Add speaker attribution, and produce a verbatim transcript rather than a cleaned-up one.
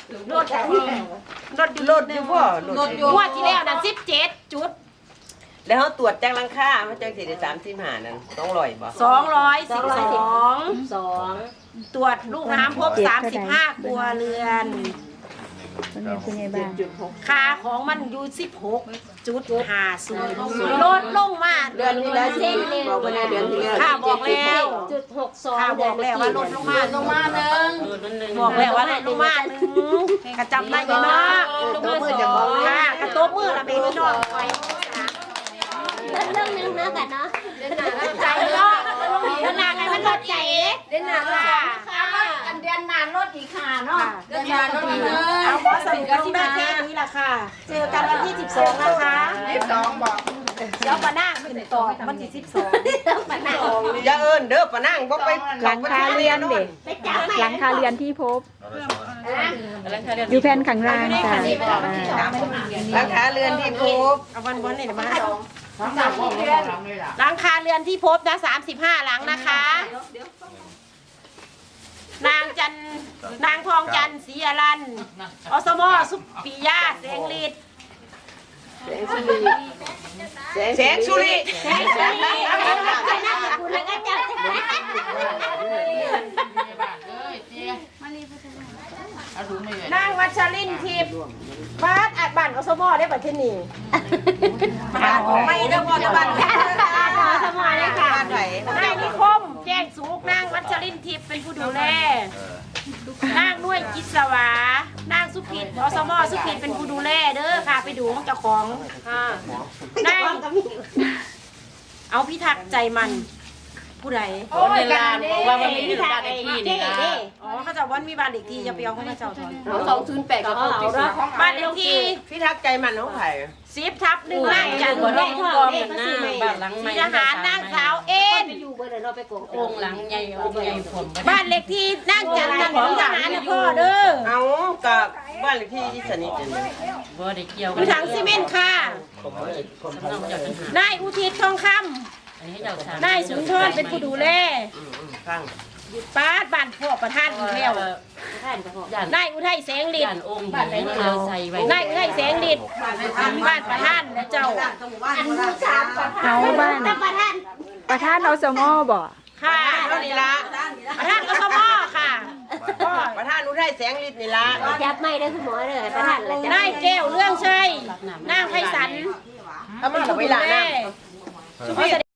Speaker 1: รถรถ
Speaker 2: รถอยู่บ่รถอยู่
Speaker 1: งวดที่แล้วนั่นสิบเจ็ดจุด
Speaker 2: แล้วเขาตรวจจากหลังคาเขาจังสิได้สามสิบห้านั่นต้องร้อยบ่
Speaker 1: สองร้อยสิบสอง
Speaker 3: สอง
Speaker 1: ตรวจลูกน้ำพบสามสิบห้าครัวเรือนค่าของมันอยู่สิบหกจุดห้าศูนย์ลดลงมา
Speaker 2: เดือนที่แล้วเส้นบอกว่าเดือนที่แล้ว
Speaker 1: ค่าบอกแล้ว
Speaker 3: จุดหกสอง
Speaker 1: ค่าบอกแล้วว่าลดลงมาลงมาหนึ่งบอกแล้วว่าลดลงมาหนึ่งกระจำได้อยู่เนาะ
Speaker 2: ตัวมือจะบอก
Speaker 1: ค่ะกระโต๊ะมือละเบบี้น้องไว้
Speaker 3: เรื่องนึงนะกันเนาะ
Speaker 1: ใจเนาะขนาดกันมันลดใจ
Speaker 3: เด่นหนา
Speaker 1: ค่ะ
Speaker 3: อันเดือนนานรถอีกค่ะเนาะ
Speaker 1: เดือนนานลดอีกเอาพอสรุปลงได้แค่นี้ละค่ะเจอกันวันที่สิบสองนะคะ
Speaker 2: สิบสองบอก
Speaker 1: เดี๋ยวมาหน้าขึ้นต่อวันที่สิบสอง
Speaker 2: อย่าเอิ้นเด้อปะนั่งบ่ไป
Speaker 4: หลังคาเรือนเด็ก
Speaker 3: ไปจับ
Speaker 4: หลังคาเรือนที่พบอยู่แผ่นข้างล่างค่ะ
Speaker 2: หลังคาเรือนที่พบ
Speaker 1: เอาวันวันนี้มาหลังคาเรือนที่พบนะสามสิบห้าหลังนะคะ นางจันนางทองจันศรีอรันอสมอสุปิยาเสงฤทธิ์
Speaker 2: แสงสุริ
Speaker 1: แสงสุริ
Speaker 3: คุณแล้วก็จับ
Speaker 1: นางวัชรินทร์ทิพย์บ้านอัดบ้านอสมอได้ปัจจุบันนี้บ้านของไม่ได้บอกบ้านอสมอเลยค่ะ
Speaker 2: บ้านไหน
Speaker 1: นายนิคมแจ้งสุกนางวัชรินทร์ทิพย์เป็นผู้ดูแลนางด้วยกิจสวานางสุขิตอสมอสุขิตเป็นผู้ดูแลเด้อค่ะไปดูของเจ้าของค่ะนางเอาพิทักษ์ใจมันผู้ใด
Speaker 3: โอ้ยกันว่ามันมี
Speaker 1: พิทัก
Speaker 3: บ้าน
Speaker 1: ษ์
Speaker 3: เล
Speaker 1: ไอ้
Speaker 3: ขที่
Speaker 1: ที่
Speaker 3: นี่
Speaker 1: นี่
Speaker 3: นะ
Speaker 1: อ๋อเขาจะวันมีบ้านเลขที่อย่าไปเอาของเจ้าทอน
Speaker 3: สองศูนย์แปดก็เอาละ
Speaker 1: บ้านเลขที่
Speaker 2: พี่ทักใจมันน้องไผ่
Speaker 1: สิบทับหนึ่งนางจันทร์
Speaker 3: ได้
Speaker 1: ท
Speaker 3: พ่อ
Speaker 1: อง
Speaker 3: ได้พ่อซื้อใหม่
Speaker 5: บ้านหลังใหม่
Speaker 1: ทหารนางสาวเอ็น
Speaker 3: อยู่เบอร์เดี๋ยวเราไปโกง
Speaker 5: องค์หลังใหญ่องค์ใหญ่ผม
Speaker 1: บ้านเลขที่นางจันทร์ของทหารนะพ่อเด้อ
Speaker 2: เอากับบ้านเลขที่ที่สนิทกันเลย
Speaker 5: บ่ได้เกี่ยว
Speaker 1: อยู่ถังซีเมนต์ค่ะ
Speaker 5: สำนักเจ้าทหาร
Speaker 1: นายอุทิศทองค
Speaker 5: อันนี้เจ้าทหาร
Speaker 1: ำนายสุนทรเป็นผู้ดูแล
Speaker 2: ฟัง
Speaker 1: ป้าดบ้านพ่อประธานอีกแล้ว
Speaker 3: ท่านก็พอ
Speaker 5: ย่าน
Speaker 1: นายอุทัยแสงฤท
Speaker 5: ย่าน
Speaker 1: ธิ์
Speaker 5: องค์บ้านไหนเราใส่ไว้
Speaker 1: นายอุทัยแสงฤทธิ์บ้านประธานและเจ้า
Speaker 3: อันนี้สามประธาน
Speaker 4: เอาบ้าน
Speaker 3: ประธาน
Speaker 4: ประธานอสมอบ่
Speaker 1: ค่ะ
Speaker 2: เท่านี้ละ
Speaker 1: ประธานอสมค่ะพ่อ
Speaker 2: ประธานอุทัยแสงฤทธิ์นี่ละ
Speaker 3: จับไม่ได้คุณหมอเลยประธานเลยจับ
Speaker 1: นายแก้วเรื่องชัยนางไพศาล
Speaker 2: เอามา
Speaker 1: เป็น
Speaker 2: เอา
Speaker 1: ผู้
Speaker 2: ไว้
Speaker 1: ดู
Speaker 2: ละ
Speaker 1: แล
Speaker 2: นะ
Speaker 1: สุภาพ